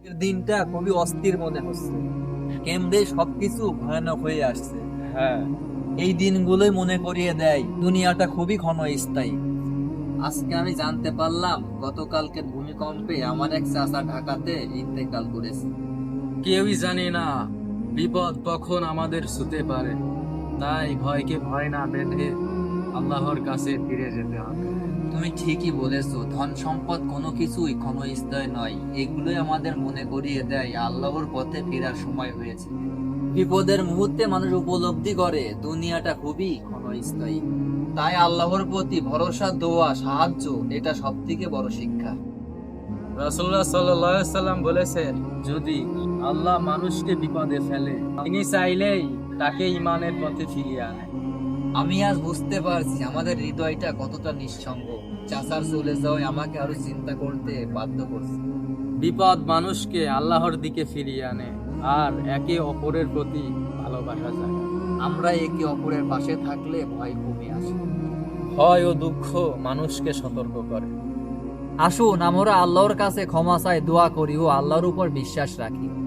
দিনটা খুবই অস্থির মনে হচ্ছে। কেমনে সবকিছু ভয়ানক হয়ে আসছে। হ্যাঁ, এই দিনগুলোই মনে করিয়ে দেয় দুনিয়াটা খুবই ক্ষণস্থায়ী। আজকে আমি জানতে পারলাম গতকালকের ভূমিকম্পে আমার এক চাচা ঢাকাতে ইন্তেকাল করেছে। কেউই জানে না বিপদ কখন আমাদের ছুতে পারে। তাই ভয়কে ভয় না বেঁধে আল্লাহর কাছে ফিরে যেতে হবে। তুমি ঠিকই বলেছো, ধন সম্পদ কোনো কিছুই ক্ষণস্থায়ী নয়। এগুলোই আমাদের মনে করিয়ে দেয় আল্লাহর পথে ফেরার সময় হয়েছে। বিপদের মুহূর্তে মানুষ উপলব্ধি করে দুনিয়াটা খুবই ক্ষণস্থায়ী। তাই আল্লাহর প্রতি ভরসা, দোয়া, সাহায্য এটা সব থেকে বড় শিক্ষা। রাসূলুল্লাহ সাল্লাল্লাহু আলাইহি সাল্লাম বলেছেন, যদি আল্লাহ মানুষকে বিপদে ফেলে, তিনি চাইলেই তাকে ঈমানের পথে ফিরিয়ে আনে। আমি আজ বুঝতে পারছি আমাদের হৃদয়টা কতটা নিঃসঙ্গ। চাচার চলে যাওয়ায় আমাকে আরো চিন্তা করতে বাধ্য করছে। বিপদ মানুষকে আল্লাহর দিকে ফিরিয়ে আনে আর একে অপরের প্রতি ভালোবাসা জাগায়। আমরা একে অপরের পাশে থাকলে ভয় কমে আসে। ভয় ও দুঃখ মানুষকে সতর্ক করে। আসুন আমরা আল্লাহর কাছে ক্ষমা চাই, দোয়া করি ও আল্লাহর উপর বিশ্বাস রাখি।